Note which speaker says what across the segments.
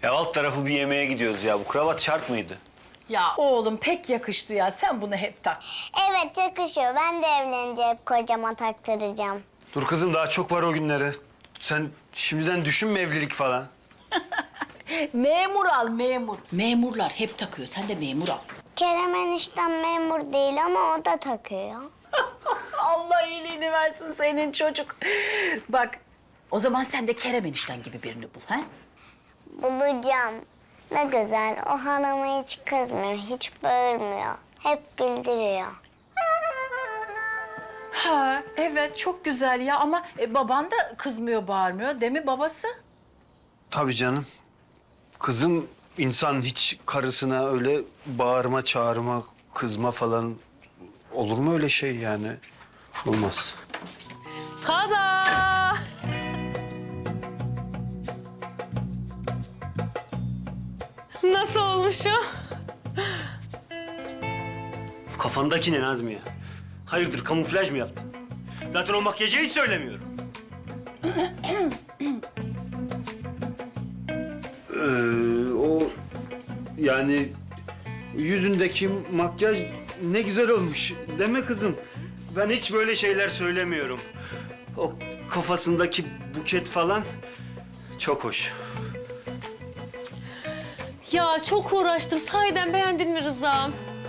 Speaker 1: Ya alt tarafı bir yemeğe gidiyoruz ya. Bu kravat şart mıydı?
Speaker 2: Ya oğlum pek yakıştı ya. Sen bunu hep tak.
Speaker 3: Evet yakışıyor. Ben de evlenince hep kocama taktıracağım.
Speaker 1: Dur kızım daha çok var o günlere. Sen şimdiden düşünme evlilik falan.
Speaker 2: Memur al memur. Memurlar hep takıyor. Sen de memur al.
Speaker 3: Kerem eniştem memur değil ama o da takıyor.
Speaker 2: Allah iyiliğini versin senin çocuk. Bak o zaman sen de Kerem enişten gibi birini bul. Ha?
Speaker 3: Bulacağım. Ne güzel. O hanıma hiç kızmıyor, hiç bağırmıyor. Hep güldürüyor.
Speaker 2: Ha evet çok güzel ya ama baban da kızmıyor bağırmıyor değil mi babası?
Speaker 1: Tabii canım. Kızım insan hiç karısına öyle bağırma, çağırma, kızma falan olur mu öyle şey yani? Olmaz.
Speaker 4: Tada! Nasıl olmuşum?
Speaker 1: Kafandaki ne Nazmiye? Hayırdır kamuflaj mı yaptın? Zaten o makyajı hiç söylemiyorum. O yani yüzündeki makyaj ne güzel olmuş. Deme kızım. Ben hiç böyle şeyler söylemiyorum. O kafasındaki buket falan çok hoş.
Speaker 4: Ya çok uğraştım. Sahiden beğendin mi Rıza'm?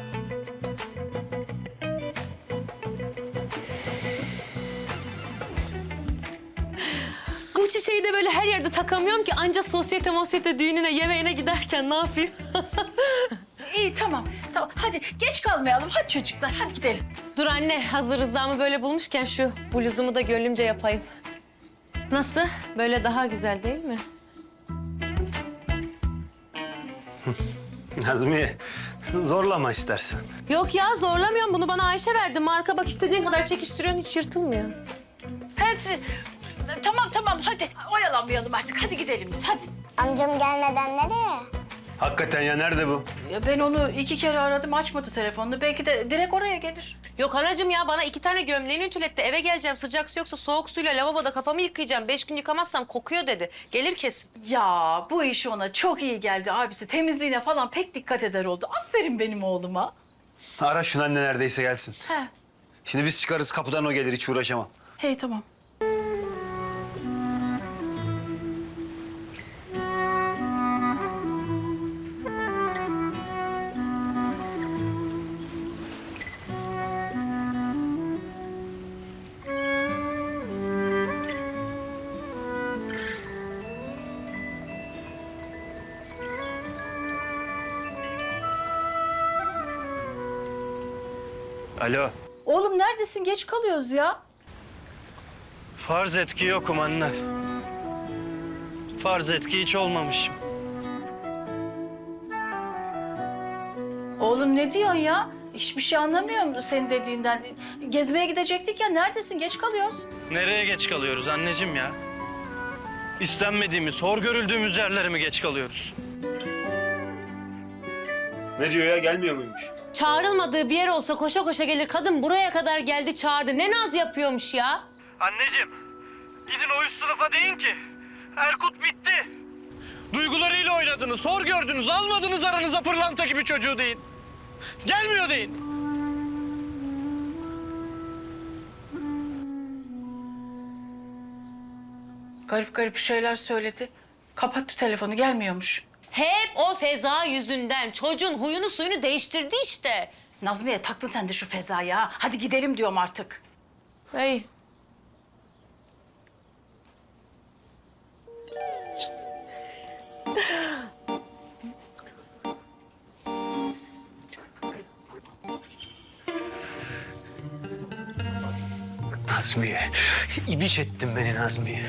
Speaker 4: Bu çiçeği de böyle her yerde takamıyorum ki anca sosyete düğününe, yemeğine giderken ne yapayım?
Speaker 2: İyi tamam tamam hadi geç kalmayalım hadi çocuklar hadi gidelim.
Speaker 4: Dur anne, hazır Rıza'mı böyle bulmuşken şu bluzumu da gönlümce yapayım. Nasıl? Böyle daha güzel değil mi?
Speaker 1: Nazmiye zorlama istersen.
Speaker 4: Yok ya, zorlamıyorum. Bunu bana Ayşe verdi. Marka bak, istediğin kadar çekiştiriyorsun, hiç yırtılmıyor.
Speaker 2: Hadi tamam hadi oyalanmayalım artık hadi gidelim biz hadi.
Speaker 3: Amcam gelmeden nereye?
Speaker 1: Hakikaten ya nerede bu?
Speaker 2: Ya ben onu 2 kere aradım açmadı telefonunu belki de direkt oraya gelir.
Speaker 4: Yok anacığım ya, bana 2 tane gömleğini ütületti. Eve geleceğim, sıcak su yoksa soğuk suyla lavaboda kafamı yıkayacağım. 5 gün yıkamazsam kokuyor dedi. Gelir kesin.
Speaker 2: Ya bu iş ona çok iyi geldi abisi temizliğine falan pek dikkat eder oldu. Aferin benim oğluma.
Speaker 1: Ara şunu anne neredeyse gelsin.
Speaker 2: He.
Speaker 1: Şimdi biz çıkarız kapıdan o gelir hiç uğraşamam.
Speaker 2: Hey tamam.
Speaker 5: Alo.
Speaker 2: Oğlum neredesin? Geç kalıyoruz ya.
Speaker 5: Farz et ki yokum anne. Farz et ki hiç olmamışım.
Speaker 2: Oğlum ne diyorsun ya? Hiçbir şey anlamıyorum senin dediğinden. Gezmeye gidecektik ya. Neredesin? Geç kalıyoruz.
Speaker 5: Nereye geç kalıyoruz anneciğim ya? İstenmediğimiz, hor görüldüğümüz yerlere mi geç kalıyoruz?
Speaker 1: Ne diyor ya gelmiyor muymuş?
Speaker 4: Çağrılmadığı bir yer olsa koşa koşa gelir. Kadın buraya kadar geldi, çağırdı. Ne naz yapıyormuş ya?
Speaker 5: Anneciğim, gidin o üst sınıfa deyin ki Erkut bitti. Duygularıyla oynadınız, hor gördünüz, almadınız aranıza pırlanta gibi çocuğu deyin. Gelmiyor deyin.
Speaker 2: Garip garip şeyler söyledi. Kapattı telefonu. Gelmiyormuş.
Speaker 4: Hep o Feza yüzünden. Çocuğun huyunu suyunu değiştirdi işte.
Speaker 2: Nazmiye taktın sen de şu Feza'ya. Ha. Hadi gidelim diyorum artık.
Speaker 4: Hey.
Speaker 1: Nazmiye. İbiş ettin beni Nazmiye.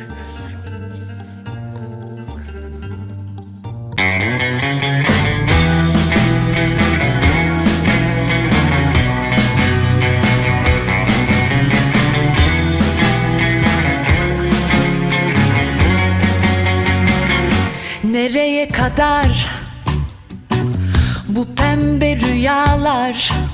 Speaker 6: Nereye kadar bu pembe rüyalar?